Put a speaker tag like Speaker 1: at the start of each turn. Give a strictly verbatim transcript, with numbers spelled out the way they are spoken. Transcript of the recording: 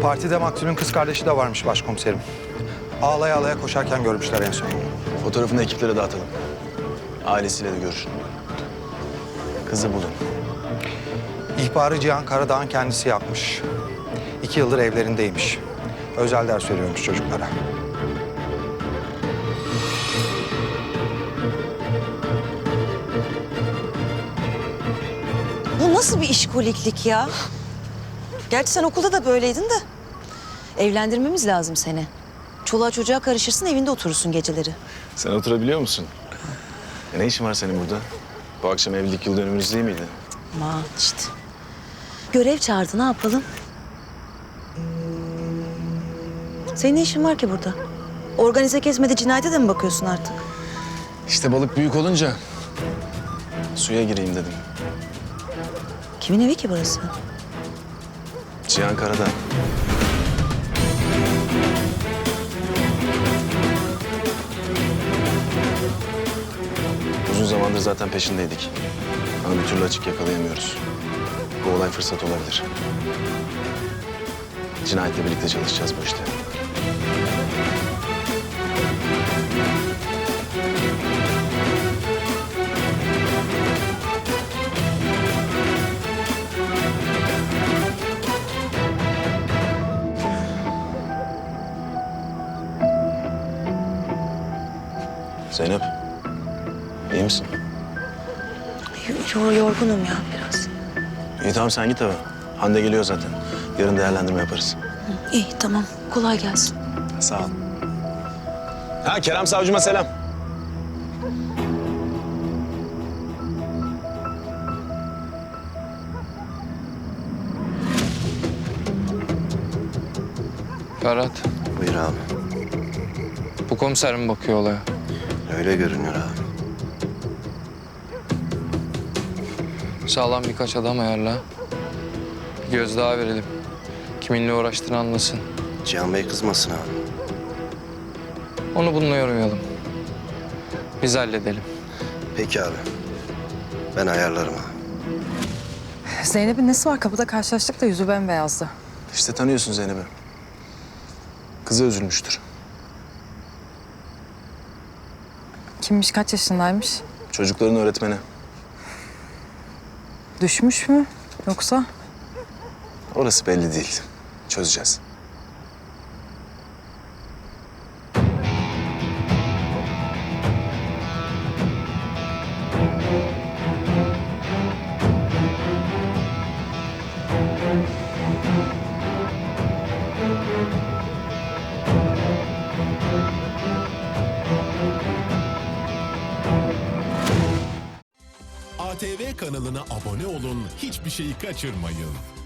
Speaker 1: Partide maktulün kız kardeşi de varmış başkomiserim. Ağlaya ağlaya koşarken görmüşler en son.
Speaker 2: Fotoğrafını ekiplere dağıtalım. Ailesiyle de görüşün. Kızı bulun.
Speaker 1: İhbarı Cihan Karadağ'ın kendisi yapmış. İki yıldır evlerindeymiş. Özel ders veriyormuş çocuklara.
Speaker 3: Bu nasıl bir işkoliklik ya? Gerçi sen okulda da böyleydin de. Evlendirmemiz lazım seni. Çoluğa çocuğa karışırsın, evinde oturursun geceleri.
Speaker 2: Sen oturabiliyor musun? E ne işin var senin burada? Bu akşam evlilik yıl dönümümüz değil miydi?
Speaker 3: Aman işte. Görev çağırdı, ne yapalım? Senin ne işin var ki burada? Organize kesmede cinayete de mi bakıyorsun artık?
Speaker 2: İşte balık büyük olunca suya gireyim dedim.
Speaker 3: Kimin evi ki burası?
Speaker 2: Cihan Karadağ. Uzun zamandır zaten peşindeydik. Ama bir türlü açık yakalayamıyoruz. Bu olay fırsat olabilir. Cinayetle birlikte çalışacağız bu işte. Zeynep, iyi misin?
Speaker 3: Yo yorgunum ya biraz.
Speaker 2: İyi tamam sen git eve. Hande geliyor zaten. Yarın değerlendirme yaparız.
Speaker 3: İyi tamam, kolay gelsin.
Speaker 2: Sağ ol. Ha Kerem Savcıma selam.
Speaker 4: Ferhat,
Speaker 5: Buyur abi.
Speaker 4: bu komiser mi bakıyor olaya?
Speaker 5: Öyle görünüyor abi.
Speaker 4: Sağlam birkaç adam ayarla. Bir göz daha verelim. Kiminle uğraştığını anlasın.
Speaker 5: Cihan Bey kızmasın abi.
Speaker 4: Onu bununla yormayalım. Biz halledelim.
Speaker 5: Peki abi. Ben ayarlarım abi.
Speaker 6: Zeynep'in nesi var? Kapıda karşılaştık da yüzü bembeyazdı.
Speaker 2: İşte tanıyorsun Zeynep'i. Kızı üzülmüştür.
Speaker 6: Kimmiş, kaç yaşındaymış?
Speaker 2: Çocukların öğretmeni.
Speaker 6: Düşmüş mü yoksa?
Speaker 2: Orası belli değil. Çözeceğiz.
Speaker 7: A T V kanalına abone olun, hiçbir şeyi kaçırmayın.